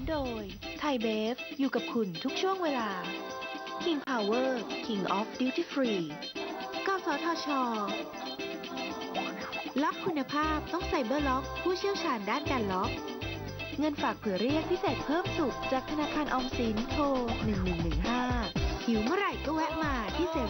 โดยไทยเบฟอยู่กับคุณทุกช่วงเวลา King Power King of Duty Free กสทช.ล็อกคุณภาพต้องไซเบอร์ล็อกผู้เชี่ยวชาญด้านการล็อกเงินฝากเผื่อเรียกพิเศษเพิ่มสุขจากธนาคารออมสินโทร1115หิวเมื่อไหร่ก็แวะมาที่7-11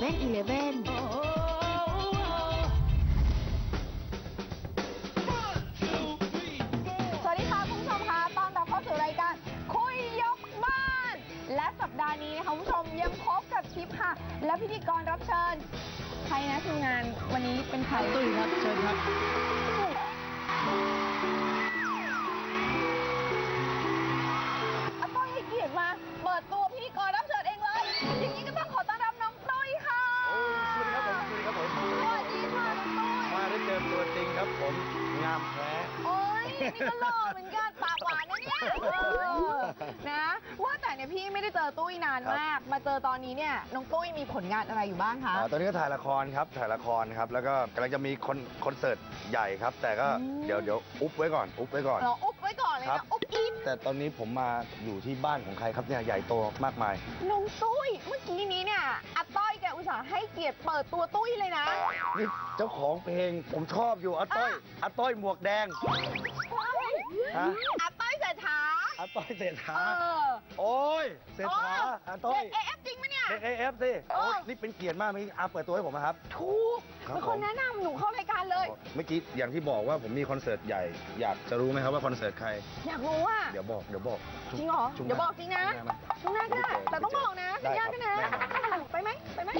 สวัสดีค่ะคุณผู้ชมคะต้อนรับเข้าสู่รายการคุยยกบ้านและสัปดาห์นี้นะคะคุณผู้ชมยังพบกับชิปค่ะและพิธีกรรับเชิญใครนะทีมงานวันนี้เป็นใครตุ้ยครับเชิญครับอาต้อยให้เกียรติมาเปิดตัวพิธีกรรับเชิญเองเลยอย่างนี้ก็ต้องขอต้อนรับน้องตุ้ยค่ะสวัสดีครับผมสวัสดีค่ะน้องตุ้ยมาได้เจอตัวจริงครับผมงามแท้โอ้ยนี่ก็หล่อเหมือนกันปากหวานนะเนี่ยนะว่าแต่เนี่ยพี่ไม่ได้เจอตุ้ยนานมากมาเจอตอนนี้เนี่ยน้องตุ้ยมีผลงานอะไรอยู่บ้างคะตอนนี้ก็ถ่ายละครครับแล้วก็กำลังจะมีคอนเสิร์ตใหญ่ครับแต่ก็เดี๋ยวอุ๊บไว้ก่อนอุบไว้ก่อนเลยนะอุ๊บอิ๊บแต่ตอนนี้ผมมาอยู่ที่บ้านของใครครับเนี่ยใหญ่โตมากมายน้องตุ้ยเมื่อกี้นี้เนี่ยอาต้อยแกอุตส่าห์ให้เกียรติเปิดตัวตุ้ยเลยนะนี่เจ้าของเพลงผมชอบอยู่อาต้อยหมวกแดงอาต้อยเศรษฐาโอ้ยเศรษฐาอาต้อยเด็ก AF จริงไหมเนี่ยเด็ก AF สินี่เป็นเกียรติมากที่อาเปิดตัวให้ผมนะครับถูกเป็นคนแนะนำหนูเข้ารายการเลยเมื่อกี้อย่างที่บอกว่าผมมีคอนเสิร์ตใหญ่อยากจะรู้ไหมครับว่าคอนเสิร์ตใครอยากรู้อ่ะเดี๋ยวบอกจริงเหรอเดี๋ยวบอกจริงนะช่วงหน้าก็ได้แต่ต้องบอกนะสัญญากันนะไปไหม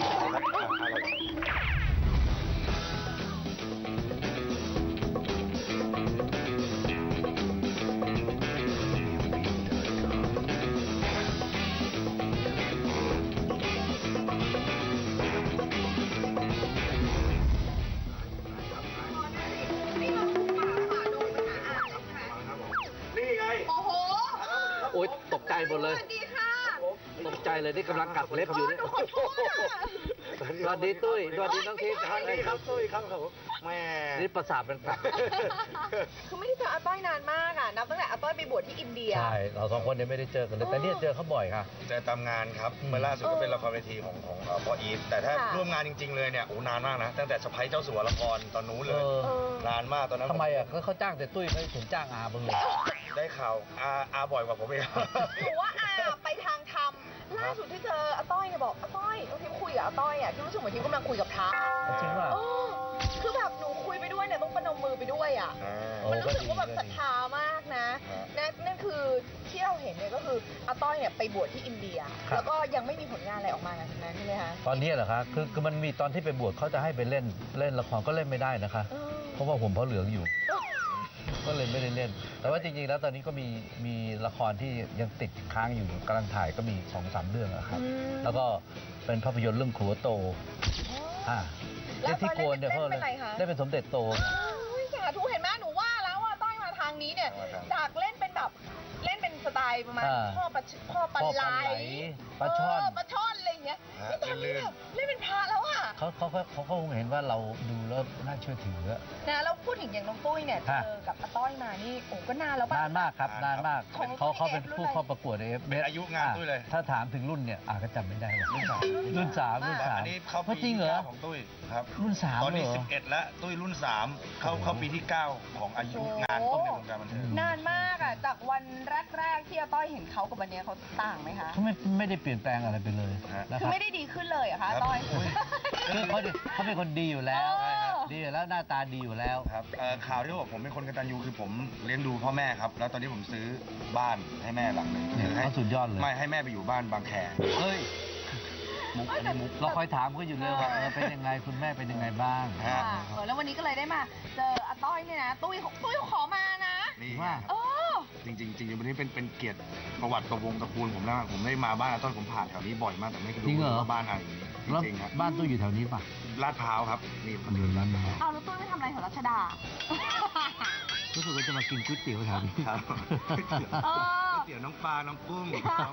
โอ๊ยตกใจหมดเลยสวัสดีค่ะตกใจเลยนี่กำลังกัดเล็บอยู่เนี่ยสวัสดีตุ้ยสวัสดีน้องทิพย์สวัสดีครับตุ้ยครับผมแม่นี่ประสาทเป็นกัดคือไม่ได้เจออาต้อยนานมากอ่ะนับตั้งแต่อาต้อยไปบวชที่อินเดียใช่เราสองคนเนี่ยไม่ได้เจอกันเลยแต่เนี่ยเจอเขาบ่อยค่ะเจอตามงานครับเมื่อล่าสุดก็เป็นละครเวทีของพ่ออีทแต่ถ้าร่วมงานจริงๆเลยเนี่ยโอ้นานมากนะตั้งแต่สะใภ้เจ้าสัวละครตอนนู้นเลยนานมากตอนนั้นทำไมอ่ะเขาจ้างแต่ตุ้ยเขาถึงจ้างอาบ้างเลยได้ข่าวอาบ่อยกว่าผมเองหนูว่าอาไปทางธรรมล่าสุดที่เจออาต้อยเนี่ยบอกอาต้อยทิพย์คุยกับอาต้อยอ่ะที่รู้สึกเหมือนทิพย์กำลังคุยกับพระจริงป่ะคือแบบหนูคุยไปด้วยเนี่ยต้องประนมมือไปด้วยอ่ะมันรู้สึกว่าแบบศรัทธามากนะนั่นคือที่เราเห็นเนี่ยก็คืออาต้อยเนี่ยไปบวชที่อินเดียแล้วก็ยังไม่มีผลงานอะไรออกมาจากนั้นใช่ไหมคะตอนนี้เหรอคะคือมันมีตอนที่ไปบวชเขาจะให้ไปเล่นละครก็เล่นไม่ได้นะคะเพราะว่าผมเพราะเหลืองอยู่ก็เลยไม่ได้เล่นแต่ว่าจริงๆแล้วตอนนี้ก็มีละครที่ยังติดค้างอยู่กำลังถ่ายก็มี 2-3 เรื่องครับแล้วก็เป็นภาพยนตร์เรื่องครัวโตแล้วที่โกนเนี่ยเขาได้เป็นสมเด็จโตสาธุเห็นไหมหนูว่าแล้วว่าต้อยมาทางนี้เนี่ยจากเล่นเป็นแบบเล่นเป็นสไตล์ประมาณพ่อปลาไหลปลาช่อนอะไรอย่างเงี้ยตอนนี้แบบเล่นเป็นพระแล้วอ่ะเขาคงเห็นว่าเราดูแล้วน่าเชื่อถือนะแล้วพูดถึงอย่างน้องตุ้ยเนี่ยเจอกับอาต้อยมานี่โอ้ก็นานแล้วป่ะนานมากครับนานมากเขาเป็นผู้เข้าประกวดเอฟเป็นอายุงานตุ้ยเลยถ้าถามถึงรุ่นเนี่ยก็จำไม่ได้รุ่น 3 อันนี้เขาปีที่ 9ของตุ้ยครับรุ่น 3ตอนนี้11แล้วตุ้ยรุ่น 3เข้าปีที่ 9ของอายุงานต้นในวงการบันเทิงนานมากอ่ะจากวันแรกที่อาต้อยเห็นเขากับวันนี้เขาต่างไหมคะเขาไม่ได้เปลี่ยนแปลงอะไรไปเลยคือไม่ได้ดีขึ้นเลยอะคะต้อยคือเขาเป็นคนดีอยู่แล้วหน้าตาดีอยู่แล้วครับข่าวที่บอกผมเป็นคนกตัญญูคือผมเลี้ยงดูพ่อแม่ครับแล้วตอนนี้ผมซื้อบ้านให้แม่หลังนึงเขาสุดยอดเลยไม่ให้แม่ไปอยู่บ้านบางแคเฮ้ยมุกเราคอยถามก็อยู่เลยว่าเป็นยังไงคุณแม่เป็นยังไงบ้างแล้ววันนี้ก็เลยได้มาเจออาต้อยเนี่ยนะตุ้ยขอมานะนี่ว่าจริงวันนี้เป็นเกียรติประวัติวงตระกูลผมแล้วผมได้มาบ้านอาต้อยผมผ่านแถวนี้บ่อยมากแต่ไม่เคยรู้ว่าบ้านอะไรจริงครับบ้านตุ้ยอยู่แถวนี้ป่ะลาดพร้าวครับนี่คนเดินลาดพร้าวแล้วตุ้ยไม่ทำอะไรแถวรัชดารู้สึกว่าจะมากินก๋วยเตี๋ยวแถวนี้ครับก๋วยเตี๋ยวน้องปลาน้องกุ้ง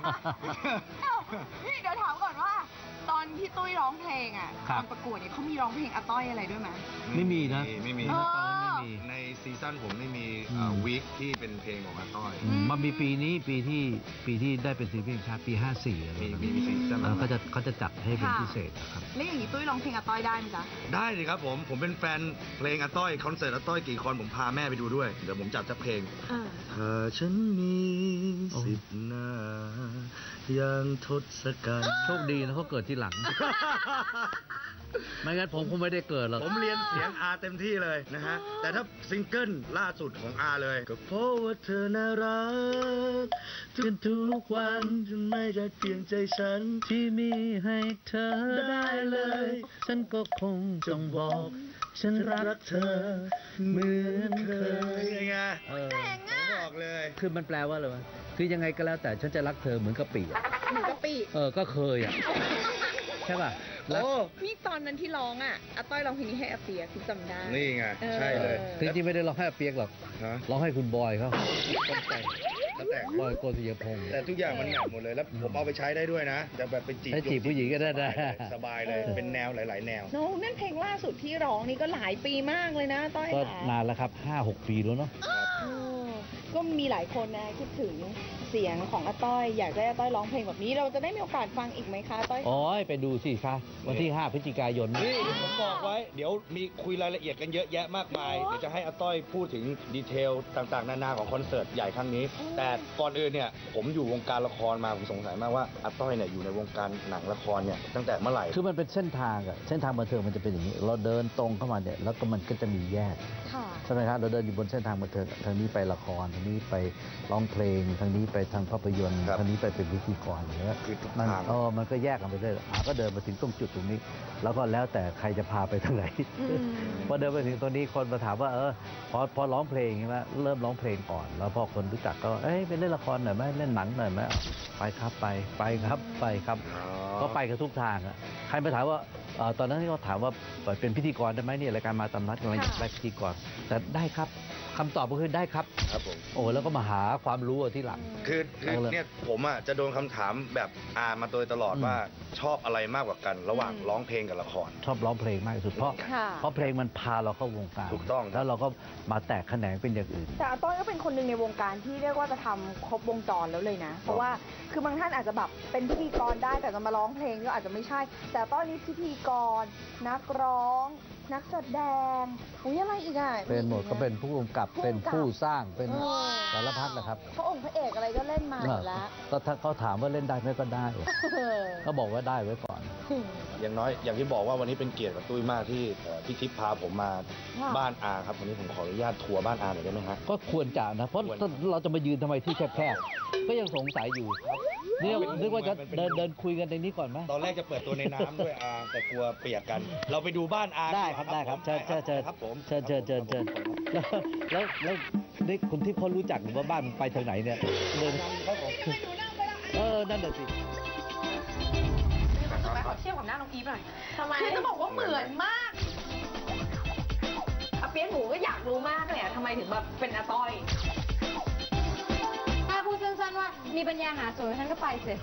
นี่เดี๋ยวถามก่อนว่าตอนที่ตุ้ยร้องเพลงอ่ะตอนประกวดเนี่ยเขามีร้องเพลงอาต้อยอะไรด้วยไหมไม่มีนะไม่มีในซีซั่นผมไม่มีวีคที่เป็นเพลงของอาต้อยมันมีปีที่ได้เป็นศิลปินแห่งชาติปี 54อะไรมีซีซั่นเขาจะจัดให้เป็นพิเศษครับแล้วอย่างนี้ตุ้ยร้องเพลงอาต้อยได้ไหมจ๊ะได้สิครับผมเป็นแฟนเพลงอาต้อยคอนเสิร์ตอาต้อยกี่คอนผมพาแม่ไปดูด้วยเดี๋ยวผมจัดสักเพลงถ้าฉันมี10 หน้าอย่างทศกัณฐ์โชคดีนะเขาเกิดที่หลัง ไม่งั้นผมคงไม่ได้เกิดหรอกผมเรียนเสียงอาเต็มที่เลยนะฮะ แต่ถ้าซิงเกิลล่าสุดของอาเลยก็เพราะว่าเธอน่ารักทุกวันจนไม่ได้เพียงใจฉันที่มีให้เธอได้เลย ฉันก็คงจงบอก ฉันรักเธอเหมือนเคยยังไง ผมบอกเลยคือมันแปลว่าอะไรวะคือยังไงก็แล้วแต่ฉันจะรักเธอเหมือนกะปิอะเหมือนกะปิก็เคยอ่ะ ใช่ป่ะรักนี่ตอนนั้นที่ร้องอาต้อยร้องเพลงนี้ให้อาเปียกคุณจำได้นี่ไง ใช่เลยจริงๆไม่ได้ร้องให้อาเปียกหรอกฮะร้องให้คุณบอยเขาต้องแต่งแล้วแต่งบอยโกศิยพงษ์แต่ทุกอย่างมันแมทหมดเลยแล้วผมเอาไปใช้ได้ด้วยนะแต่แบบเป็นจีบให้จีบผู้หญิงก็ได้นะสบายเลยเป็นแนวหลาย ๆ แนวน้องนั่นเพลงล่าสุดที่ร้องนี่ก็หลายปีมากเลยนะต้อยก็ค่ะนานแล้วครับ 5-6 ปีแล้วเนาะก็มีหลายคนนะคิดถึงเสียงของอาต้อยอยากได้อาต้อยร้องเพลงแบบนี้เราจะได้มีโอกาสฟังอีกไหมคะอาต้อยอ๋อไปดูสิคะวันที่ 5 พฤศจิกายนนี่ผมบอกไว้เดี๋ยวมีคุยรายละเอียดกันเยอะแยะมากมายเดี๋ยวจะให้อาต้อยพูดถึงดีเทลต่างๆ นานาของคอนเสิร์ตใหญ่ครั้งนี้ แต่ก่อนอื่นเนี่ยผมอยู่วงการละครมาผมสงสัยมากว่าอาต้อยเนี่ยอยู่ในวงการหนังละครเนี่ยตั้งแต่เมื่อไหร่คือมันเป็นเส้นทางอะเส้นทางบันเทิงมันจะเป็นอย่างนี้ เราเดินตรงเข้ามาเนี่ยแล้วก็มันก็จะมีแยกค่ะใช่ไหมครับเราเดินอยู่บนเส้นทางบันเทิงทางนี้ไปละครทางนี้ไปร้องเพลงทางนี้ไปทางภาพยนตร์ครับทางนี้ไปเป็นพิธีกรอย่างเงี้ยคือทุกมันทางมันก็แยกกันไปเรื่อยก็เดินมาถึงตรงจุดตรงนี้ แล้วก็แล้วแต่ใครจะพาไปทางไหน พอเดินไปถึงตรงนี้คนมาถามว่าพอร้องเพลงใช่ไหมเริ่มร้องเพลงก่อน แล้วพอคนรู้จักก็ไปเล่นละครหน่อยไหมเล่นหนังหน่อยไหมไปครับไปครับ ก็ไปกันทุกทางอะใครมาถามว่าตอนนั้นที่เขาถามว่าเป็นพิธีกรได้ไหมเนี่ยรายการมาตามนัดกำลังอยากได้พิธีกรแต่ได้ครับคำตอบก็คือได้ครับครับผมโอ้แล้วก็มาหาความรู้ที่หลังคือเนี่ยผมอ่ะจะโดนคำถามแบบมาโดยตลอดว่าชอบอะไรมากกว่ากัน ระหว่างร้องเพลงกับละครชอบร้องเพลงมากที่สุดเพราะค่ะเพลงมันพาเราเข้าวงการถูกต้องแล้วเราก็มาแตกแขนงเป็นอย่างอื่นแต่อาต้อยก็เป็นคนหนึ่งในวงการที่เรียกว่าจะทำครบวงจรแล้วเลยนะ เพราะว่าคือบางท่านอาจจะแบบเป็นพิธีกรได้แต่จะมาร้องเพลงก็อาจจะไม่ใช่ แต่อาต้อยนี่พิธีกร นักร้อง นักแสดงอุ้ยอะไรอีกอ่ะเป็นหมดก็เป็นผู้กำกับเป็นผู้สร้างเป็นสารพัดนะครับพระองค์พระเอกอะไรก็เล่นมาหมดแล้วก็ถ้าเขาถามว่าเล่นได้ไหมก็ได้ก็บอกว่าได้ไว้ก่อนอย่างน้อยอย่างที่บอกว่าวันนี้เป็นเกียรติกับตุ้ยมากที่พี่ทิพย์พาผมมาค่ะบ้านอาครับวันนี้ผมขออนุญาตทัวร์บ้านอาหน่อยได้ไหมฮะก็ควรจะนะ เพราะควรเราจะมายืนทำไมที่แคบๆก็ยังสงสัยอยู่นี่นึกว่าจะเดินคุยกันในนี้ก่อนไหมตอนแรกจะเปิดตัวในน้ำด้วยอาแต่กลัวเปียกกัน เราไปดูบ้านอาได้ครับได้ครับเชิญครับผมเชิญแล้วนี่คุณที่เขารู้จักหรือว่าบ้านมันไปทางไหนเนี่ยเดินนั่นแหละสิรู้สึกไหมขอเทียบกับหน้าน้องอีฟหน่อยทำไมคือจะบอกว่าเหมือนมากอาเปี๊ยกหนูก็อยากรู้มากเลยอะทำไมถึงแบบเป็นอาต้อยถ้าพูดสั้นๆว่ามีปัญญาหาสวยฉันก็ไปสิ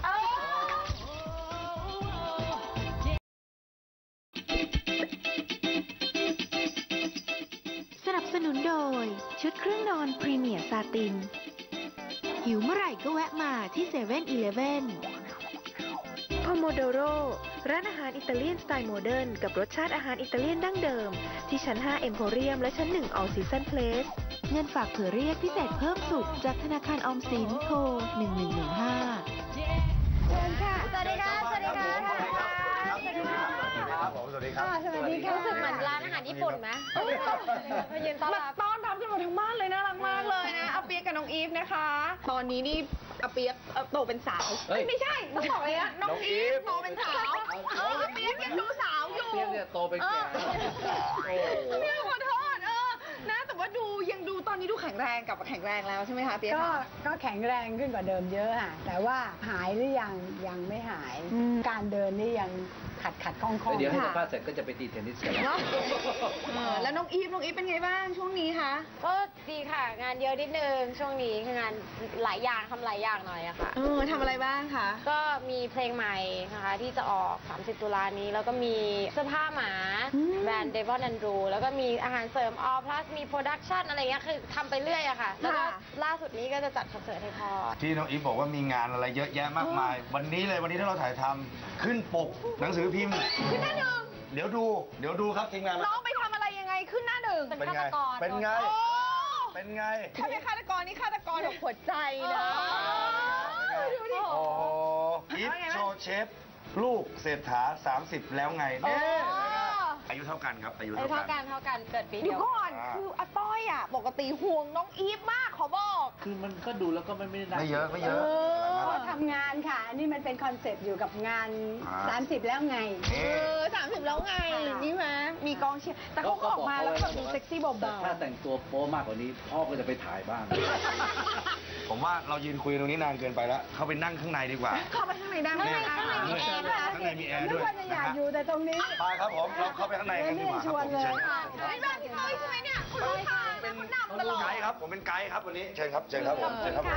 สนับสนุนโดยชุดเครื่องนอนพรีเมียร์ซาติน หิวเมื่อไหร่ก็แวะมาที่7-Eleven โพโมโดโรร้านอาหารอิตาเลียนสไตล์โมเดิร์นกับรสชาติอาหารอิตาเลียนดั้งเดิม ที่ชั้น 5 เอ็มโพเรียมและชั้น 1 All Season Place เงินฝากเผื่อเรียกพิเศษเพิ่มสุขจากธนาคารออมสินโทร 1115 เชิญค่ะ สวัสดีค่ะ สวัสดีค่ะครับผมสวัสดีครับสวัสดีค่ะรู้สึกเหมือนร้านอาหารญี่ปุ่นไหมมายืนต้อนมารับต้อนรับกันหมดทั้งบ้านเลยน่ารักมากเลยนะอาเปี๊ยกกับน้องอีฟนะคะ ตอนนี้นี่อาเปี๊ยกโตเป็นสาวเฮ้ยไม่ใช่ต้องบอกเลยนะน้องอีฟโตเป็นสาวอาเปี๊ยกยังดูสาวอยู่เปี๊ยกเนี่ยโตเป็นแก่อาเปี๊ยกขอโทษนะแต่ว่ายังดูตอนนี้ดูแข็งแรงกลับมาแข็งแรงแล้วใช่ไหมคะอาเปี๊ยกก็แข็งแรงขึ้นกว่าเดิมเยอะค่ะแต่ว่าหายหรือยังไม่หาย การเดินนี่ยังขัดคล่องๆเดี๋ยวให้สัมค่ะภาษณ์เสร็จก็จะไปตีเทนนิสกันแล้วแล้วน้องอีฟเป็นไงบ้างช่วงนี้คะก็ดีค่ะ งานเยอะนิดนึงช่วงนี้คืองานหลายอย่างทำหลายอย่างหน่อยอะค่ะทำอะไรบ้างคะก็มีเพลงใหม่นะคะที่จะออก 30 ตุลานี้ แล้วก็มีเสื้อผ้าหมาแบรนด์ Devon Andrew แล้วก็มีอาหารเสริม All Plus มีโปรดักชันอะไรเงี้ยคือทำไปเรื่อยอะค่ะ แล้วก็ล่าสุดนี้ก็จะจัดคอนเสิร์ตให้พ่อที่น้องอีฟบอกว่ามีงานอะไรเยอะแยะมากมาย วันนี้ที่เราถ่ายทำขึ้นปกหนังสือพิมพ์ขึ้นหน้าหนึ่งเดี๋ยวดูครับทีมงานน้องไปทำอะไรยังไงขึ้นหน้าหนึ่งเป็นฆาตกรเป็นไงโอ้เป็นไงถ้าเป็นฆาตกรนี่ฆาตกรแบบหัวใจนะดูดิโอ้อีฟโชว์เชฟลูกเศรษฐา30 แล้วไงเนี่ยอายุเท่ากันครับอายุเท่าเท่ากักัน นเท่ากันเกิดปีเดี๋เดียยว วก่อนคืออาต้อยอ่ะปกติห่วงน้องอีฟมากขอบอกคือมันก็ดูแล้วก็ไม่ได้ไม่เยอะไม่เยอะก็ทำงานค่ะ อันนี้มันเป็นคอนเซ็ปต์อยู่กับงาน 30 แล้วไง 30แล้วไงนี่ไหมมีกองเชียร์แต่เขาก็ออกมาแล้วก็แบบดูเซ็กซี่เบาถ้าแต่งตัวโป๊มากกว่านี้พ่อก็จะไปถ่ายบ้างผมว่าเรายืนคุยตรงนี้นานเกินไปแล้ว เข้าไปนั่งข้างในดีกว่าๆเข้าไปข้างในได้ไหมข้างในมีแอร์ด้วยข้างในมีแอร์นึด้กวยว่าจะอยากอยู่แต่ตรงนี้ไปครับผมเราเข้าไปข้างในกันดีกว่าครับผมเชิญครับไม่บ้านพี่ต้อยใช่ไหมเนี่ยคุณรู้ทางนะคุณนำตลอดไกด์ครับผมเป็นไกด์ครับวันนี้เชิญครับเชิญครับผมเชิญครับผม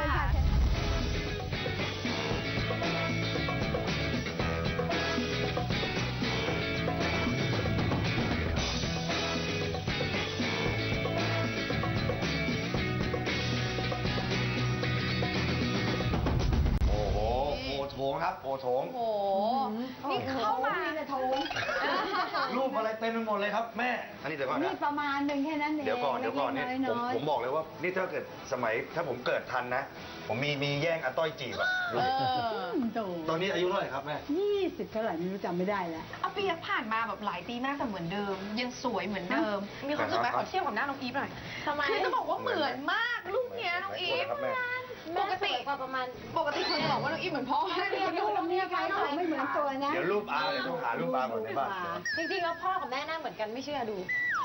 โอ้โหโอโถงครับโอโถงโอ้โหนี่เข้ามารูปอะไรเต็มไปหมดเลยครับแม่อันนี้เดี๋ยวก่อนนี่นะประมาณหนึ่งแค่นั้นเองเดี๋ยวก่อนนี่น้อยๆผมบอกเลยว่านี่ถ้าเกิดสมัยถ้าผมเกิดทันนะ ผมมีแย่งอาต้อยจีบอะดูดิโตตอนนี้อายุเท่าไหร่ครับแม่ 20 เท่าไหร่ไม่รู้จำไม่ได้แล้วเอาปีผ่านมาแบบหลายปีมากแต่เหมือนเดิม ยังสวยเหมือนเดิม มีความรู้สึกไหมขอเทียบกับหน้าน้องอีฟหน่อยทำไมคือจะบอกว่าเหมือนมากลูกเนี้ยน้องอีฟครับแม่ปกติกว่าประมาณปกติคนจะบอกว่าน้องอีฟเหมือนพ่อรูปนี้ใครบอกไม่เหมือนตัวนะเดี๋ยวรูปอาเดี๋ยวต้องหารูปอาก่อนในบ้านจริงๆแล้วพ่อกับแม่หน้าเหมือนกันไม่เชื่อดู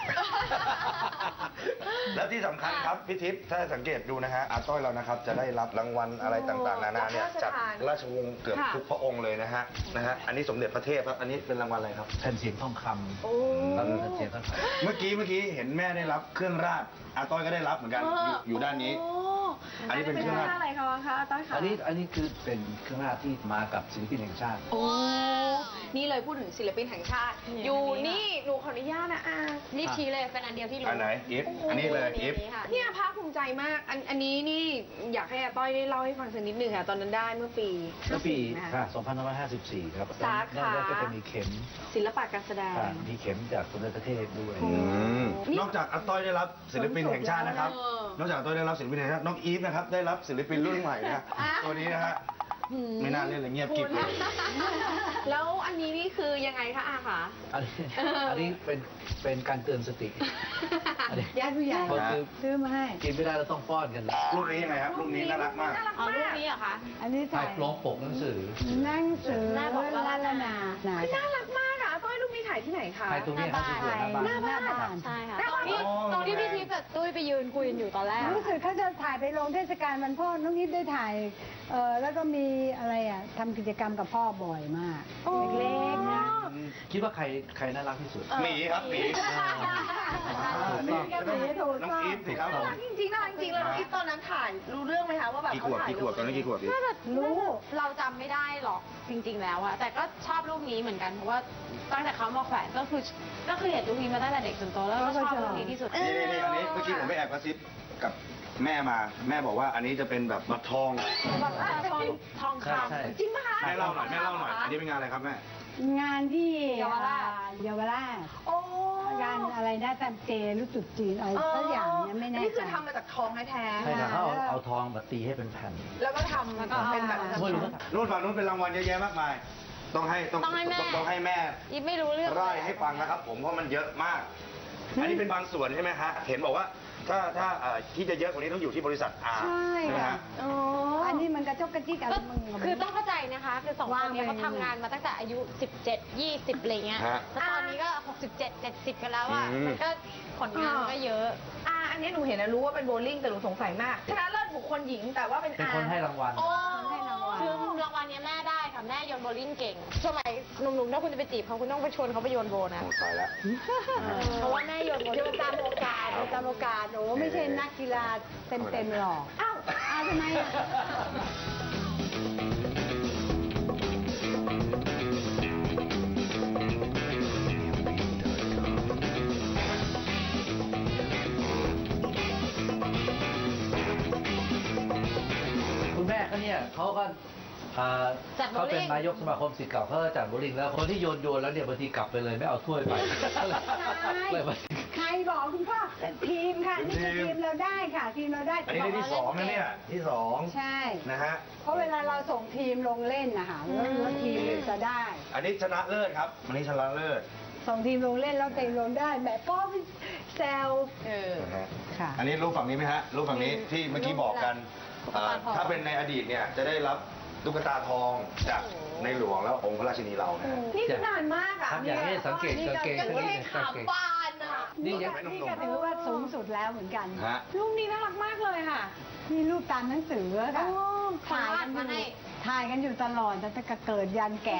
แล้วที่สำคัญครับพี่ทิพย์ถ้าสังเกตดูนะฮะอาต้อยเรานะครับจะได้รับรางวัลอะไรต่างๆนานาเนี่ยจากราชวงศ์เกือบทุกพระองค์เลยนะฮะอันนี้สมเด็จพระเทพครับอันนี้เป็นรางวัลอะไรครับแผ่นเสียงทองคำโอ้แล้วแผ่นเสียงทองคำเมื่อกี้เห็นแม่ได้รับเครื่องราชอาต้อยก็ได้รับเหมือนกันอยู่ด้านนี้ อันนี้เป็นเครื่องราชอะไรคะคะต้อยคะอันนี้คือเป็นเครื่องราชที่มากับศิลปินแห่งชาติโอ้นี่เลยพูดถึงศิลปินแห่งชาติ อยู่นี่หนูขออนุญาตนะอารีบชี้เลยเป็นอันเดียวที่รู้อันไหนอีฟอันนี้เลยอีฟค่ะเนี่ยภาคภูมิใจมาก อันนี้นี่อยากให้อาต้อยได้เล่าให้ฟังสักนิดนึงค่ะตอนนั้นได้เมื่อปีเมื่อปี 50นะคะค่ะ2554 ครับสาขาแล้วก็จะมีเข็มศิลปะการแสดงมีเข็มจากสมเด็จพระเทพด้วยนอกจากอาต้อยได้รับศิลปินแห่งชาตินะครับเออนอกจากอาต้อยได้รับศิลปินแห่งชาติน้องอีฟนะครับได้รับศิลปินรุ่นใหม่นะตัวนี้นะฮะไม่น่าเล่นเลยเงียบกริบเลยแล้วอันนี้นี่คือยังไงคะอาคะอันนี้เป็นการเตือนสติ อันนี้ญาติผู้ใหญ่ก็คือซื้อมาให้กินไม่ได้เราต้องป้อนกันนะรูปนี้ยังไงครับรูปนี้น่ารักมากอ๋อรูปนี้เหรอคะอันนี้ถ่าถ่าย ยโปรงปกหนังสือหนั่งสือหน้าบอกว่าละละนาหนาน่ารักมากอะอาต้อยรูปนี้ถ่ายที่ไหนคะถ่ายตรงนี้ครับที่สวนหน้าบ้านหน้าบ้านใช่ค่ะหน้าตรงที่อ๋อตรงที่พี่ทิพย์กับตุ้ยไปยืนคุยกันอยู่ตอนแรกรู้สึกเขาจะถ่ายไปลงเทศกาลวันพ่อน้องนิดได้ถ่ายแล้วก็มีอะไรอ่ะทำกิจกรรมกับพ่อบ่อยมาก เล็กๆนะคิดว่าใครน่ารักที่สุดหมีครับหมีถูกต้องน้องอีฟสิครับผมจริงๆน่ารักจริงๆแล้วน้องอีฟตอนนั้นถ่ายรู้เรื่องไหมคะว่าแบบกี่ขเขาวบถ่ายกี่ขวบตอนนี้กี่ขวบพี่รู้เราจำไม่ได้หรอกจริง ๆ แล้วอะแต่ก็ชอบรูปนี้เหมือนกันเพราะว่าตั้งแต่เขามาแขวนก็คือเห็นรูปนี้มาตั้งแต่เด็กจนโตแล้วก็ชอบรูปนี้ที่สุดนี่อันนี้เมื่อกี้ผมไปแอบกระซิบกับแม่มาแม่บอกว่าอันนี้จะเป็นแบบบัตรทองแบบทองคใช่ำจริงปะคะแม่เล่าหน่อยอันนี้เป็นงานอะไรครับแม่งานที่เยาวราชเยาวราชโอ้งานอะไรนะตามเจรู้จุดจีนอะไรสักอย่างเนี่ยไม่แน่นี่ใจคือทำมาจากทองแท้ใช่ค่ะเขาเอาทองแบบตีให้เป็นแผ่นๆแล้วก็ทำแล้วก็เป็นแบบไม่รู้ว่านู่นฝั่งนู้นเป็นรางวัลเยอะแยะมากมาย ต้องให้ต้องให้แม่ต้องให้แม่อีฟไม่รู้เรื่องไล่ให้ฟังนะครับ ผมเพราะมันเยอะมาก อันนี้เป็นบางส่วนใช่ไหมฮะเห็นบอกว่าถ้าที่จะเยอะกว่านี้ต้องอยู่ที่บริษัทอาใช่ไหมค่ะฮะอ๋ออันนี้มันกระจกกระจิกอะไรก็มึงคือต้องเข้าใจนะคะคือสองคนเนี้ยว่างไปเขาทำงานมาตั้งแต่อายุ 17 20อะไรเงี้ยฮะแล้วตอนนี้ก็ 67 70 กันแล้วอ่ะอืมมันก็ผลงานมันก็เยอะอันนี้หนูเห็นนะรู้ว่าเป็นโบว์ลิ่งแต่หนูสงสัยมากชนะเลิศบุคคลหญิงแต่ว่าเป็นเป็นคนให้รางวัลโอ้ให้รางวัลคือรางวัลเนี้ยแม่ได้ค่ะ แม่โยนโบลิ่งเก่ง สมัยหนุ่มๆถ้าคุณจะไปจีบเขาคุณต้องไปชวนเขาไปโยนโบนะโอ้ตายแล้วเพราะว่าแม่โยนโบโยลิ่งนตามโอกาสโยนตามโอกาสโอ้ไม่ใช่นักกีฬาเต็มๆหรอก อ้าวทำไมอ่ะคุณแม่เขาเนี่ยเขาก็เขาเป็นนายกสมาคมศิษย์เก่าเขาจัดโบว์ลิ่งแล้วคนที่โยนแล้วเนี่ยบางทีกลับไปเลยไม่เอาถ้วยไปเลยมาใครบอกคุณพ่อทีมค่ะนี่คือทีมเราได้ค่ะ ทีมเราได้อันนี้ได้ที่สองนะเนี่ยที่สองใช่นะฮะเพราะเวลาเราส่งทีมลงเล่นนะคะแล้วทีมจะได้อันนี้ชนะเลิศครับอันนี้ชนะเลิศส่งทีมลงเล่นแล้วเต็งลงได้แบบป้อมแซวนะฮะค่ะอันนี้รูปฝั่งนี้ไหมฮะรูปฝั่งนี้ที่เมื่อกี้บอกกันถ้าเป็นในอดีตเนี่ยจะได้รับตุ๊กตาทองจากในหลวงแล้วองค์พระราชินีเรานะฮะนี่คือนานมากอ่ะทำอย่างนี้สังเกตกางเกงยังสังไม่เกได้ตขามบานอ่ะนี่ยังนี่ก็ถือว่าสูงสุดแล้วเหมือนกันฮะรูปนี้น่ารักมากเลยค่ะนี่รูปตามหนังสือค่ะโอ้ถ่ายกันอยู่ถ่ายกันอยู่ตลอดตั้งแต่เกิดยันแก่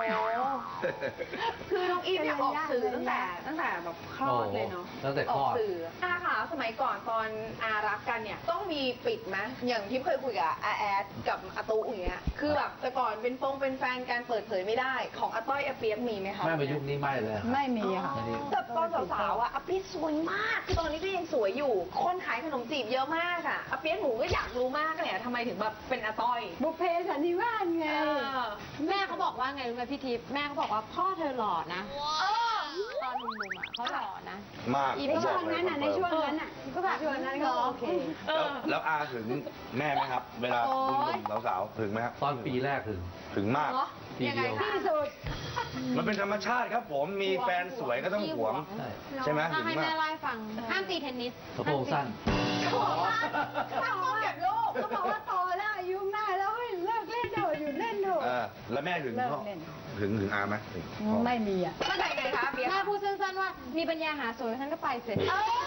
คือน้องอีฟเนี่ยออกสื่อตั้งแต่แบบคลอดเลยเนาะตั้งแต่คลอออกดสื่อค่ะสมัยก่อนตอนอารักกันเนี่ยต้องมีปิดไหมอย่างที่เคยคุยกับอาแอดกับอาตุอย่างเงี้ยคือแบบแต่ก่อนเป็นแฟนกันเปิดเผยไม่ได้ของอาต้อยอาเปียกมีไหมคะแม่มายุคนี้ไม่เลยครับไม่มีค่ะแต่ตอนสาวๆอ่ะอาเปียกสวยมากคือตอนนี้ก็ยังสวยอยู่ คนขายขนมจีบเยอะมากอ่ะอาเปียกหนูก็อยากรู้มากเนี่ยทำไมถึงแบบเป็นอาต้อยบุพเพสันนิวาสไงแม่เขาบอกว่าไงรู้ไหมพี่ทิพย์แม่เขาบอกว่าพ่อเธอหล่อนะตอนหนุ่มๆอ่ะเขาหล่อนะมากในช่วงนั้นอ่ะในช่วงนั้นอ่ะก็แบบช่วงนั้นก็โอเคแล้วอาถึงแม่ไหมครับ เวลาหนุ่มๆสาวๆถึงไหมครับตอนปีแรกถึงมากปีเดียวที่สุดมันเป็นธรรมชาติครับผมมีแฟนสวยก็ต้องหวงใช่ใช่ไหมถ้าถึงให้มาแม่กไล่าให้ฟัง ห้ามตีเทนนิสสะโพกสั้นเขาบอกว่าเขาบอกว่าโตแล้วอายุมากแล้วเฮ้ยเลิกเล่นเถอะหยุดเล่นเถอะแล้วแม่ถึงเลิกพ่อเล่นถึงอาไหมถึงพ่อไม่มีอ่ะเข้าใจไงคะเปียกแม่พูดสั้นๆว่ามีปัญญาหาสวยท่านก็ไปเสร็จ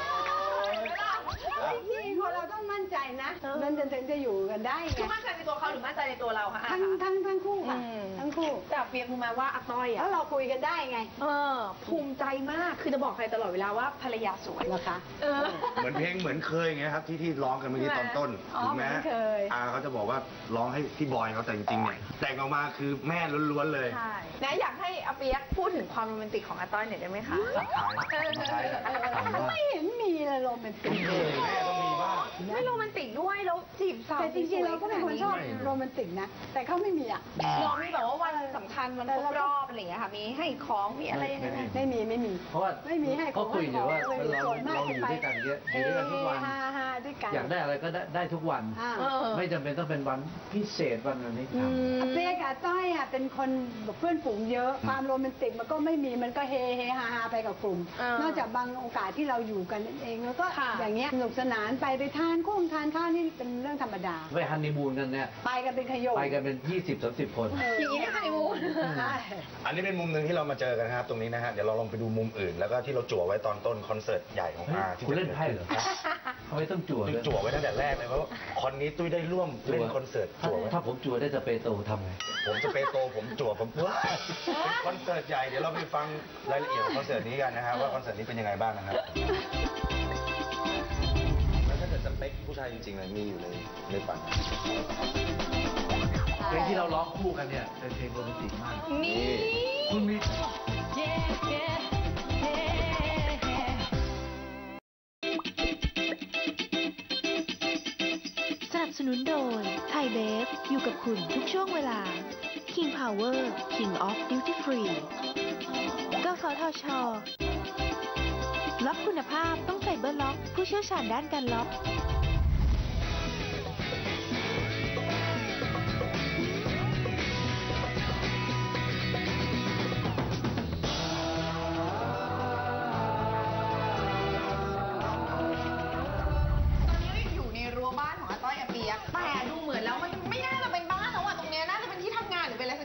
จริงๆคนเราต้องมั่นใจนะมันถึงจะอยู่กันได้ไงคือมั่นใจในตัวเขาหรือมั่นใจในตัวเราคะทั้งคู่ค่ะทั้งคู่แต่เปียกรู้ไหมว่าอาต้อยแล้อ่ะวเราคุยกันได้ไงภูมิใจมากคือจะบอกใครตลอดเวลาว่าภรรยาสวยนะคะเหมือนเพลงเหมือนเคยไงครับที่ร้องกันเมื่อกี้ตอนต้นอ๋อถึงแม้เหมือนเคยอาเขาจะบอกว่าร้องให้พี่บอยเขาแต่จริงๆเนี่ยแต่งออกมาคือแม่ล้วนๆเลยใช่นะอยากให้อาเปียกพูดถึงความโรแมนติกของอาต้อยหน่อยได้ไหมคะไม่เห็นมีเลยโรแมนติกแม่ต้องมีบ้างไม่โรแมนติกด้วยแล้วจีบสาวแต่จริงๆเราก็เป็นคนชอบโรแมนติกนะ แต่เขาไม่มีอ่ะน้องมีแบบว่าวันสำคัญวันครบรอบอะไรอย่างเงี้ยค่ะมีให้ของมีอะไรยังไงไหมไม่มีเพราะว่าไม่มีให้เขาคุยอยู่ว่าของเราอยู่ด้วยกันเยอะอยู่ด้วยกันทุกวันฮาด้วยกันอยากได้อะไรก็ได้ทุกวัน ไม่จำเป็นต้องเป็นวันพิเศษวันนี้ทำอาเปียกับต้อยอ่ะเป็นคนแบบเพื่อนฝูงเยอะ ความโรแมนติกมันก็ไม่มีมันก็เฮฮาไปกับกลุ่ม นอกจากบางโอกาสที่เราอยู่กันเองแล้วก็อย่างเงี้ยสนุกสนานไปทานทานข้าวนี่เป็นเรื่องธรรมดาไปฮันนีมูนกันเนี่ยไปกันเป็นขยงไปกันเป็น 20-30 คนอย่างนี้ได้ฮันนีมูนใช่อันนี้เป็นมุมหนึ่งที่เรามาเจอกันนะครับ ตรงนี้นะฮะเดี๋ยวเราลองไปดูมุมอื่น แล้วก็ที่เราจั่วไว้ตอนต้นคอนเสิร์ตใหญ่ของอาที่คุณเล่นไพ่เหรอครับทำไมต้องจั่วตุ้ยด้วยจั่วไว้ตั้งแต่แรกเลยเพราะว่าคอนนี้ตุ้ยได้ร่วมเล่นคอนเสิร์ตจั่วไว้ถ้าผมจั่วได้สเปโตทำไงผมจะไปโตผมจั่วผมว้ายเป็นคอนเสิร์ตใหญ่เดี๋ยวเราไปฟังรายละเอียดของคอนเสิร์ตนี้กันนะฮะว่าคอนเสิร์ตนี้เป็นยังไงบ้างนะครับแล้วถ้าเกิดสเปคผู้ชายจริงๆเลยมีอยู่ในฝันเพลงที่เราร้องคู่กันเนี่ยเป็นเพลงโรแมนติกมากนี่คุณมีสนับสนุนโดยไทยเบฟอยู่กับคุณทุกช่วงเวลา King Power King of Duty Free กสทช.ล็อกคุณภาพต้องไฟเบอร์ล็อกผู้เชี่ยวชาญด้านการล็อกตอนนี้อยู่ในรั้วบ้านของอาต้อยอาเปียกแต่ดูเหมือนแล้วมันไม่น่าจะเป็นบ้านแล้วอะตรงเนี้ยน่าจะเป็นที่ทำงานหรือเป็นอะไรสักอย่างบาง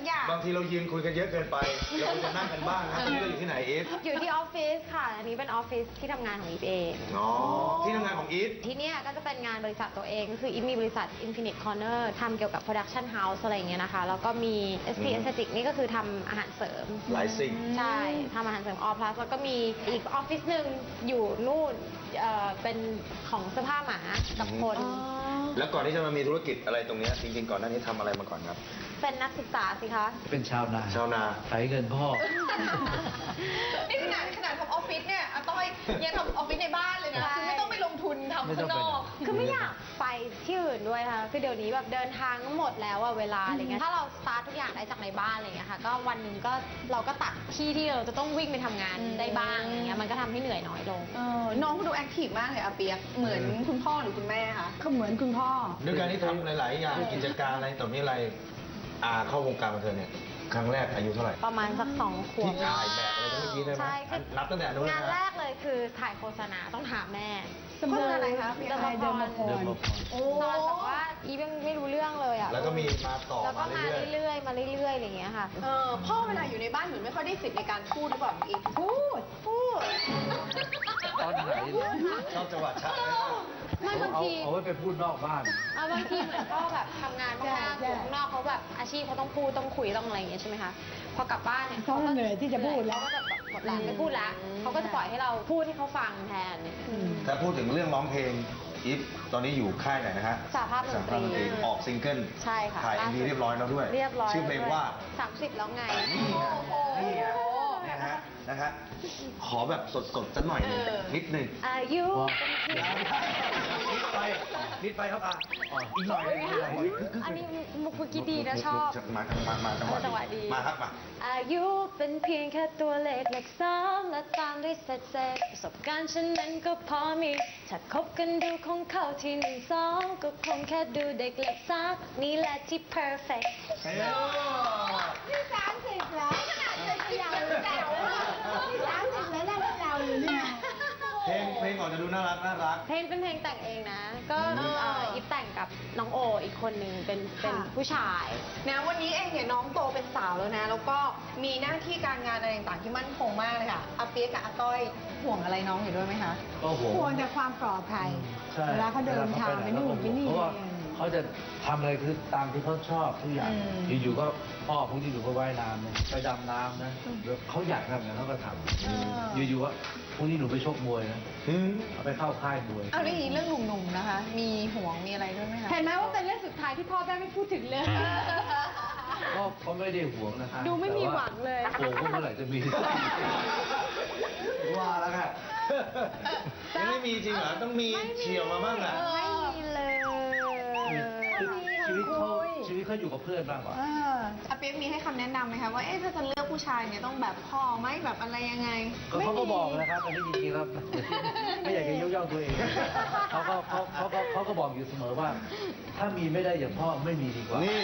างทีเรายืนคุยกันเยอะเกินไปเราควรจะนั่งกันบ้างนะนี่เราอยู่ที่ไหนอีฟอยู่ที่ออฟฟิศค่ะ อันนี้เป็นออฟฟิศที่ทำงานของอีฟเองอ๋อที่ทำงานของอีฟที่เนี่ยก็จะเป็นงานบริษัทตัวเองก็คืออีฟมีบริษัท Infinite Corner ทำเกี่ยวกับ Production House อะไรอย่างเงี้ยนะคะ แล้วก็มี SP Aesthetic นี่ก็คือทำอาหารเสริมหลายสิ่งใช่ทำอาหารเสริม All Plus แล้วก็มีอีกออฟฟิศหนึ่งอยู่นู่นเป็นของเสื้อผ้าหมากับคนแล้วก่อนที่จะมามีธุรกิจอะไรตรงเนี้ยจริงๆก่อนหน้านี้ทำอะไรมาก่อนครับเป็นนักศึกษาสิคะเป็นชาวนาชาวนาไถเงินพ่อนี่ขนาดทำออฟฟิศเนี่ยอาต้อยยังทำออฟฟิศในบ้านเลยนะ คือไม่ต้องไปลงทุนทำข้างนอกคือไม่อยากไปที่อื่นด้วยค่ะ คือเดี๋ยวนี้แบบเดินทางก็หมดแล้วอะเวลาอะไรเงี้ย ถ้าเราสตาร์ททุกอย่างได้จากในบ้านอะไรเงี้ยค่ะ ก็วันหนึ่งก็เราก็ตัดที่เราจะต้องวิ่งไปทำงานได้บ้างอย่างเงี้ย มันก็ทำให้เหนื่อยน้อยลงน้องดูแอคทีฟมากเลยอาเปียก เหมือนคุณพ่อหรือคุณแม่คะก็เหมือนคุณพ่อด้วยการที่ทำหลาย ๆ อย่างกิจการอะไรต่อมีอะไรเข้าวงการบันเทิงเนี่ยครั้งแรกอายุเท่าไหร่ประมาณสัก2 ขวบที่ถ่ายแบบอะไรเมื่อกี้ได้ไหมใช่คือนับตั้งแต่นู้นเลยงานแรนะกเลยคือถ่ายโฆษณาต้องถามแม่โฆษณาอะไรคะเดิมพรเดิมพรตอนแบบว่าอีฟยังไม่รู้เรื่องเลยอะแล้วก็มีมาต่อแล้วก็มามาเรื่อยเรื่อยๆมาเรื่อยๆอะไรอย่างเงี้ยค่ะพ่อเวลาอยู่ในบ้านเหมือนไม่ค่อยได้สิทธิ์ในการพูดหรือเปล่าอีกพูดตอนไหนๆชอบจังหวะชัดไหมไม่บางทีเอาไว้ไปพูดนอกบ้านบางทีเหมือนก็แบบทำงานมากๆอยู่ข้างนอกเขาแบบอาชีพเขาต้องพูดต้องคุยต้องอะไรอย่างเงี้ยใช่ไหมคะ พอกลับบ้านเนี่ยเขาก็เหนื่อยที่จะพูดแล้วเขาก็จะแบบหมดแรงไม่พูดละเขาก็จะปล่อยให้เราพูดให้เขาฟังแทนเนี่ยถ้าพูดถึงเรื่องร้องเพลงอีฟตอนนี้อยู่ค่ายไหนนะฮะสหภาพดนตรีออกซิงเกิลใช่ค่ะถ่าย MV เรียบร้อยแล้วด้วยเรียบร้อยชื่อเพลงว่า 30 แล้วไงนี่นะฮะขอแบบสดๆสักหน่อยหนึงนิดหนึ่งอายุนิดไปครับอีกหน่อยนึงอันนี้มุกเมื่อกี้ดีนะชอบมาจังหวะดีมาครับมาอายุเป็นเพียงแค่ตัวเลข3และตามด้วยเศษประสบการณ์ฉันนั้นก็พอมี ถ้าคบกันดูคงเข้าที่1 2ก็คงแค่ดูเด็กเล็ก3นี่แหละที่ perfect นี่30แล้วขนาดจะเยาวแล้วนี่30แล้วเราอยู่เนี่ยเพลงก่อนจะดูน่ารักเพลงเป็นเพลงแต่งเองนะ ก็อีฟแต่งกับน้องโออีกคนหนึ่งเป็นผู้ชายนะวันนี้เองเนี่ยน้องโตเป็นสาวแล้วนะ แล้วก็มีหน้าที่การงานอะไรต่างๆที่มั่นคงมากเลยค่ะอาเปียกกับอาต้อยห่วงอะไรน้องอยู่ด้วยไหมคะก็โหควรแต่ความปลอดภัยใช่เวลาเขาเดินทางไปนู่นไปนี่เพราะว่าเขาจะทำอะไรคือตามที่เขาชอบทุกอย่าง อยู่ๆก็พ่อพวกที่อยู่ก็ว่ายน้ำนะไปดำน้ำนะเขาอยากทำอย่างนั้นเขาก็ทำอยู่ๆว่าพวกนี้หนูไปชกมวยนะเอาไปเข้าค่ายมวยเอาเรื่องนี้เรื่องหนุ่มๆนะคะ มีห่วงมีอะไรด้วยไหมคะเห็นไหมว่าเป็นเรื่องสุดท้ายที่พ่อแม่ไม่พูดถึงเลยก็เขาไม่ได้ห่วงนะคะดูไม่มีหวังเลยห่วงว่าเมื่อไหร่จะมีว่าแล้วค่ะยังไม่มีจริงเหรอ ต้องมีเฉียวมาบ้างอ่ะไม่มีเลยชีวิตเขาอยู่กับเพื่อนมากกว่าอาเปียกมีให้คำแนะนำไหมคะว่าถ้าจะเลือกผู้ชายเนี่ยต้องแบบพ่อไหมแบบอะไรยังไงก็เขาก็บอกนะครับอันนี้จริงๆแล้วไม่อยากจะยกย่องตัวเองเขาก็บอกอยู่เสมอว่า ถ้ามีไม่ได้อย่างพ่อไม่มีดีกว่านี่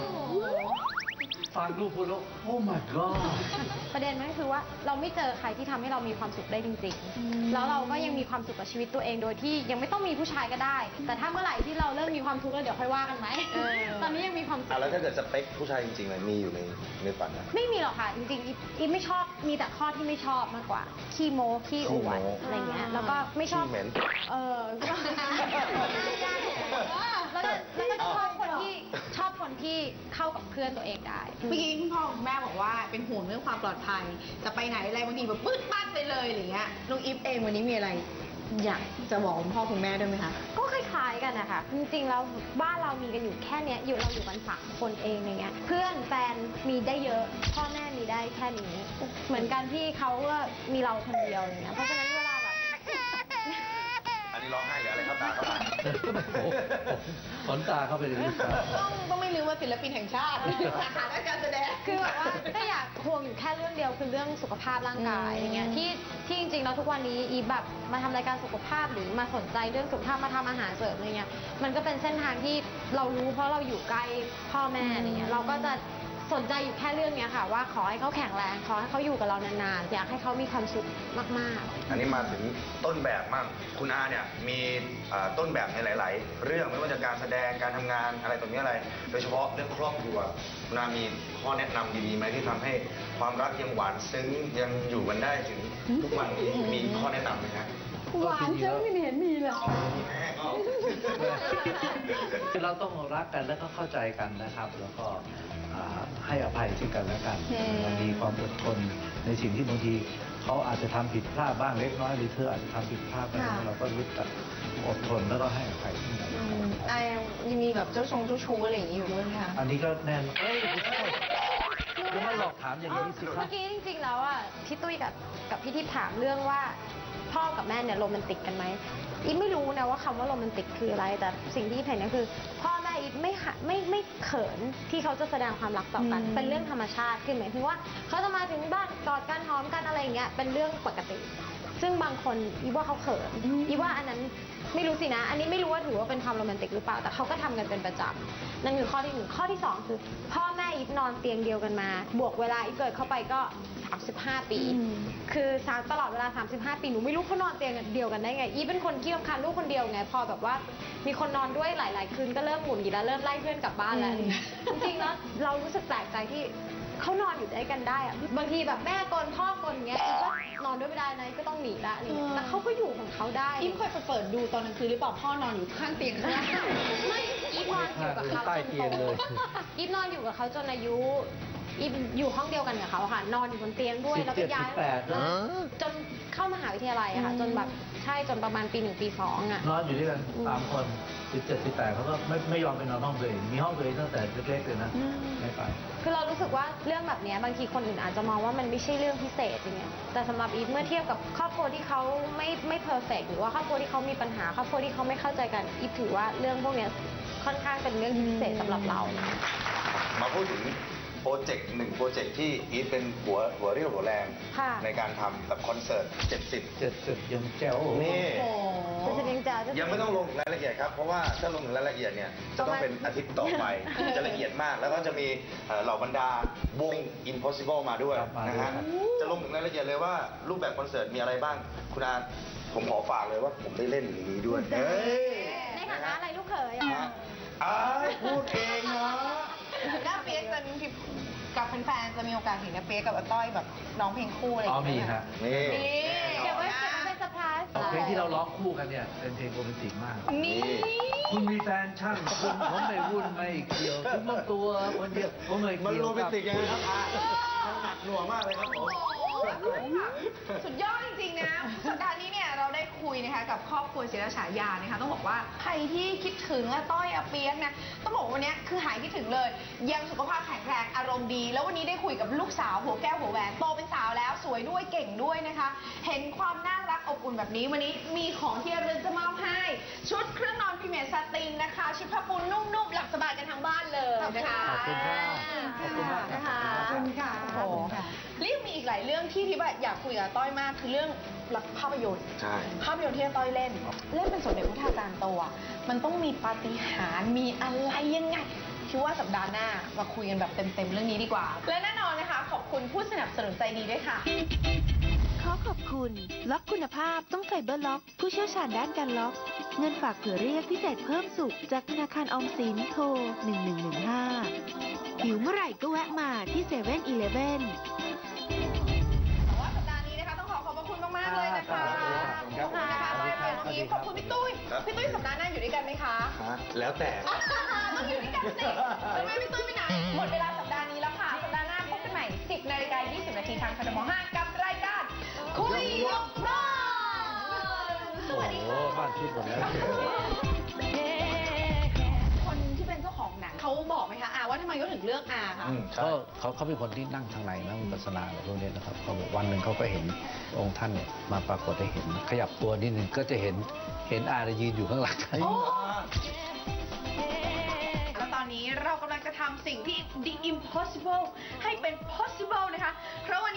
ฟังลูกพูดแล้วโอ้ my god ประเด็นมันก็คือว่าเราไม่เจอใครที่ทำให้เรามีความสุขได้จริงๆ แล้วเราก็ยังมีความสุขกับชีวิตตัวเองโดยที่ยังไม่ต้องมีผู้ชายก็ได้ แต่ถ้าเมื่อไหร่ที่เราเริ่มมีความทุกข์แล้วเดี๋ยวค่อยว่ากันไหม ตอนนี้ยังมีความสุขแล้วถ้าเกิดสเปคผู้ชายจริงๆเลยมีอยู่ในฝันนะไม่มีหรอกค่ะ จริงๆอีฟไม่ชอบ มีแต่ข้อที่ไม่ชอบมากกว่า ขี้โม้ขี้อวดอะไรเงี้ย แล้วก็ไม่ชอบขี้เหม็นแล้วก็ชอบคนที่เข้ากับเพื่อนตัวเองได้เมื่อกี้คุณพ่อคุณแม่บอกว่าเป็นห่วงเรื่องความปลอดภัย จะไปไหนอะไรบางทีแบบปื๊ดปั้นไปเลยอะไรเงี้ยน้องอีฟเองวันนี้มีอะไร อยากจะบอกคุณพ่อคุณแม่ด้วยไหมคะก็คล้ายๆกันนะคะ จริงๆแล้วบ้านเรามีกันอยู่แค่เนี้ยเราอยู่กัน3 คนเองอย่างเงี้ย เพื่อนแฟนมีได้เยอะ พ่อแม่มีได้แค่นี้ เหมือนกันที่เขาก็มีเราคนเดียวอย่างเงี้ย เพราะฉะนั้นเวลาแบบอันนี้ร้องไห้หรืออะไรเข้าตาเข้ามาขนตาเข้าไปเลยต้องไม่ลืมว่าศิลปินแห่งชาติสาขาด้านการแสดงคือแบบว่าก็อยากห่วงอยู่แค่เรื่องเดียวคือเรื่องสุขภาพร่างกายอย่างเงี้ยที่จริงๆแล้วทุกวันนี้อีแบบมาทำรายการสุขภาพหรือมาสนใจเรื่องสุขภาพมาทำอาหารเสริมอะไรเงี้ยมันก็เป็นเส้นทางที่เรารู้เพราะเราอยู่ใกล้พ่อแม่อะไรเงี้ยเราก็จะเซสนใจอยู่แค่เรื่องเนี้ยค่ะว่าขอให้เขาแข็งแรงขอให้เขาอยู่กับเรานานๆอยากให้เขามีความสุขมากๆอันนี้มาถึงต้นแบบมั่งคุณอาเนี่ยมีต้นแบบในหลาย ๆ เรื่องไม่ว่าจะการแสดงการทำงานอะไรตรงนี้อะไร โดยเฉพาะเรื่องครอบครัวคุณอามีข้อแนะนำดีๆไหมที่ทำให้ความรักยังหวานซึ้งยังอยู่กันได้ถึงทุกวันนี้มีข้อแนะนำไหมครับหวานเจ้าไม่เห็นมีเลยคือเราต้องรักกันแล้วก็เข้าใจกันนะครับ แล้วก็ให้อภัยซึ่งกันและกันมีความอดทนในสิ่งที่บางทีเขาอาจจะทำผิดพลาดบ้างเล็กน้อยหรือเธออาจจะทำผิดพลาดบ้างเราก็รู้จักอดทนแล้วก็ให้อภัยซึ่งกันและกันยังมีแบบเจ้าชู้อะไรอย่างนี้อยู่ด้วยไหมคะอันนี้ก็แน่นจะมาหลอกถามอย่างนี้สิครัเมื่บอกี้จริงๆแล้วอ่ะพี่ตุ้ยกับพี่ทิพย์ถามเรื่องว่าพ่อกับแม่เนี่ยโรแมนติกกันไหมอีฟไม่รู้นะว่าคำว่าโรแมนติกคืออะไรแต่สิ่งที่อีฟเห็นก็คือพ่อแม่อีฟไม่เขินที่เขาจะแสดงความรักต่อกันเป็นเรื่องธรรมชาติคือหมายถึงว่าเขาจะมาถึงบ้านกอดกันหอมกันอะไรอย่างเงี้ยเป็นเรื่องปกติซึ่งบางคนอีฟว่าเขาเขินอีฟว่าอันนั้นไม่รู้สินะอันนี้ไม่รู้ว่าถือว่าเป็นความโรแมนติกหรือเปล่าแต่เขาก็ทำกันเป็นประจำนั่นคือข้อที่1ข้อที่2คือพ่อแม่อีฟนอนเตียงเดียวกันมาบวกเวลาอีฟเกิดเข้าไปก็35 ปีคือตลอดเวลา35 ปีหนูไม่รู้เขานอนเตียงเดียวกันได้ไงอีฟเป็นคนขี้รำคาญลูกคนเดียวไงพอแบบว่ามีคนนอนด้วยหลายๆคืนก็เริ่มหงุดหงิดแล้วเริ่มไล่เพื่อนกลับบ้านแล้วจริงๆแล้วเรารู้สึกแปลกใจที่เขานอนอยู่ด้วยกันได้อะบางทีแบบแม่กลพ่อกลเงี้ยอีฟก็นอนด้วยไม่ได้นะก็ต้องหนีละแต่เขาก็อยู่ของเขาได้อีฟเคยไปเปิดดูตอนกลางคืนหรือเปล่าพ่อนอนอยู่ข้างเตียงข้างล่างไม่อีฟนอนอยู่กับเขาใต้เตียงเลยอีฟนอนอยู่กับเขาจนอายุอีฟอยู่ห้องเดียวกันกับเขาค่ะนอนอยู่บนเตียงด้วยแล้วก็ย้าย 17 18นะจนเข้ามหาวิทยาลัยอะค่ะจนแบบใช่จนประมาณปี 1 ปี 2อะนอนอยู่ด้วยกัน3 คน17 18เขาก็ไม่ยอมไปนอนห้องตัวเองมีห้องตัวเองตั้งแต่เล็กๆเลยนะไม่ไปคือเรารู้สึกว่าเรื่องแบบเนี้ยบางทีคนอื่นอาจจะมองว่ามันไม่ใช่เรื่องพิเศษอย่างเงี้ยแต่สำหรับอีฟเมื่อเทียบกับครอบครัวที่เขาไม่เพอร์เฟกต์หรือว่าครอบครัวที่เขามีปัญหาครอบครัวที่เขาไม่เข้าใจกันอีฟถือว่าเรื่องพวกเนี้ยค่อนข้างเป็นเรื่องที่พิเศษสำหรับเรามาพูดถึงโปรเจกต์1โปรเจกต์ที่อีทเป็นหัวเรี่ยวหัวแรงค่ะในการทำกับคอนเสิร์ต 70ยังแจ๋วนี่จะเป็นจะยังไม่ต้องลงรายละเอียดครับ เพราะว่าถ้าลงถึงรายละเอียดเนี่ยจะต้องเป็นอาทิตย์ต่อไป จะละเอียดมาก แล้วก็จะมีเหล่าบรรดาวง Impossible มาด้วยนะฮะจะลงถึงรายละเอียดเลยว่ารูปแบบคอนเสิร์ตมีอะไรบ้างคุณอาผมขอฝากเลยว่าผมได้เล่นอย่างนี้ด้วยเฮ้ยในฐานะอะไรลูกเขยอะพูดเองนะหน้าเปียกจะมีกับแฟนๆจะมีโอกาสเห็นหน้าเปียกกับอาต้อยแบบร้องเพลงคู่อะไรอย่างเงี้ยมีฮะนี่เก็บไว้เป็นเซอร์ไพรส์เพลงที่เราร้องคู่กันเนี่ยเป็นเพลงโรแมนติกมากนี่คุณมีแฟนช่างคุณผมไม่วุ่นไม่เกี่ยวคุณต้องตัวคนเดียวผมไม่มันเกี่ยวโรแมนติกยังไงครับมันหนักหน่วงมากเลยครับผมสุดยอดจริงๆนะสัปดาห์นี้เนี่ยเราได้คุยนะคะกับครอบครัวศิลฉายานะคะต้องบอกว่าใครที่คิดถึงอาต้อยอาเปียกนะต้องบอกว่าวันนี้คือหายคิดถึงเลย ยังสุขภาพแข็งแรงอารมณ์ดี แล้ววันนี้ได้คุยกับลูกสาวหัวแก้วหัวแหวนโตเป็นสาวแล้วสวยด้วยเก่งด้วยนะคะ เห็นความน่ารักอบอุ่นแบบนี้วันนี้มีของที่ระลึกจะมอบให้ชุดเครื่องนอนพรีเมียร์ซาตินนะคะชุดผ้าปูนุ่มๆหลับสบายกันทั้งบ้านเลยนะคะขอบคุณครับขอบคุณมากคนะรัคะขอบคุณค่ะโอ้โหเรียกมีอีกหลายเรื่องที่ทิพย์อยากคุยกับต้อยมากคือเรื่องภาพยนตร์ใช่ภาพยนตร์ที่อาต้อยเล่นเป็นสมเด็จพระทาการโตอะมันต้องมีปาฏิหาริย์มีอะไรยังไงคิดว่าสัปดาห์หน้ามาคุยกันแบบเต็มๆเรื่องนี้ดีกว่า และแน่นอนนะคะ ขอบคุณผู้สนับสนุนใจดีด้วยค่ะขอขอบคุณ ล็อกคุณภาพต้องไฟเบอร์ล็อก ผู้เชี่ยวชาญด้านการล็อก เงินฝากเผื่อเรียกพิเศษเพิ่มสุขจากธนาคารออมสินโทร 1115 หิวเมื่อไหร่ก็แวะมาที่7-11 แต่ว่าสัปดาห์นี้นะคะต้องขอบพระคุณมากๆเลยนะคะครัขอบบคุณนะคะต้อยไปน้องอีฟขอบคุณพี่ตุ้ยพี่ตุ้ยสัปดาห์หน้าอยู่ด้วยกันไหมคะแล้วแต่ต้องอยู่ด้วยกันสิทำไมพี่ตุ้ยไม่ไหนหมดเวลาสัปดาห์นี้แล้วค่ะสัปดาห์หน้าพบกันใหม่ 10 นาฬิกา 20 นาทีทางคทม 5 กับรายการคุยยกบ้านสโอ้วัสดีโหค่ะบ้านชุดหมดแล้วคนที่เป็นเจ้าของหนังเขาบอกไหมคะว่าทำไมเขาถึงเลือกอาคะเขาเป็นคนที่นั่งทางในนั่งวิปัสสนาอะไรพวกนี้นะครับเขาบอกวันหนึ่งเขาก็เห็นองค์ท่านเนี่ยมาปรากฏให้เห็น ขยับตัวนิดหนึ่งก็จะเห็นอายืนอยู่ข้างหลังแล้วตอนนี้เรากำลังจะทำสิ่งที่ the impossible ให้เป็น possible นะคะ เพราะวัน